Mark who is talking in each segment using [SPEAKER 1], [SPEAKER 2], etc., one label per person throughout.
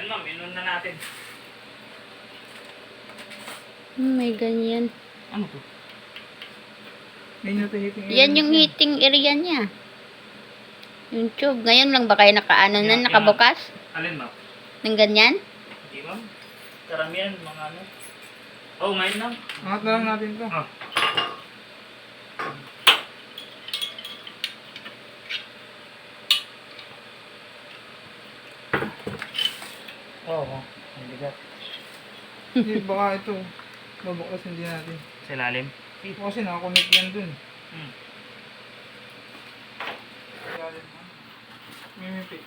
[SPEAKER 1] ma'am, inon na natin.
[SPEAKER 2] May ganyan.
[SPEAKER 1] Ano to?
[SPEAKER 3] Yun yung heating area
[SPEAKER 2] Yan yung
[SPEAKER 3] niya.
[SPEAKER 2] heating area niya. Yung tube. Ngayon lang ba kayo nakaano na, nakabukas?
[SPEAKER 1] Alin ma'am?
[SPEAKER 2] Ng ganyan?
[SPEAKER 1] Hindi ma'am. Karamihan, mga ano. Oh, ngayon lang.
[SPEAKER 3] Angat na lang natin to.
[SPEAKER 1] Ah. Oo, ang bigat.
[SPEAKER 3] Hindi, baka ito. Babuklasin din natin.
[SPEAKER 1] Sa ilalim.
[SPEAKER 3] Kasi nakakonect yan dun.
[SPEAKER 1] Hmm.
[SPEAKER 3] Mimipi.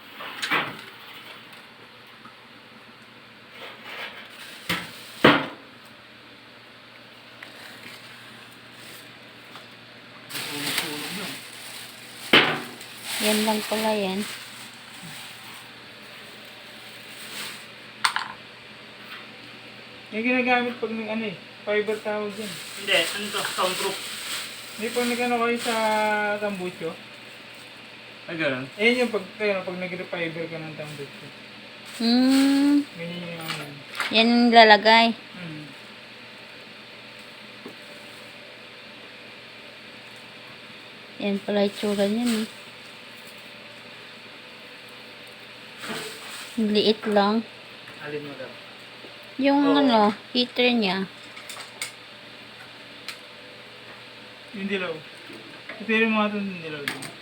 [SPEAKER 1] Tulog yun.
[SPEAKER 2] Yan lang pala yan.
[SPEAKER 3] Yung ginagamit pag nag ano eh. Fiber tawag yan.
[SPEAKER 1] Hindi, ano to? Soundproof.
[SPEAKER 3] Hindi pag nag-ano kayo sa tambucho.
[SPEAKER 1] Ay, gano'n.
[SPEAKER 3] Ayun yung pag nag-refiber ka ng tambucho. Ganyan yung ano.
[SPEAKER 2] Yan yung lalagay.
[SPEAKER 3] Hmm.
[SPEAKER 2] Yan pala itsura niyan. Liit lang.
[SPEAKER 1] Alin mo daw?
[SPEAKER 2] Yung
[SPEAKER 1] Oo.
[SPEAKER 2] ano, heater niya.
[SPEAKER 3] Yung dilaw. Ito yung mga itong dilaw din.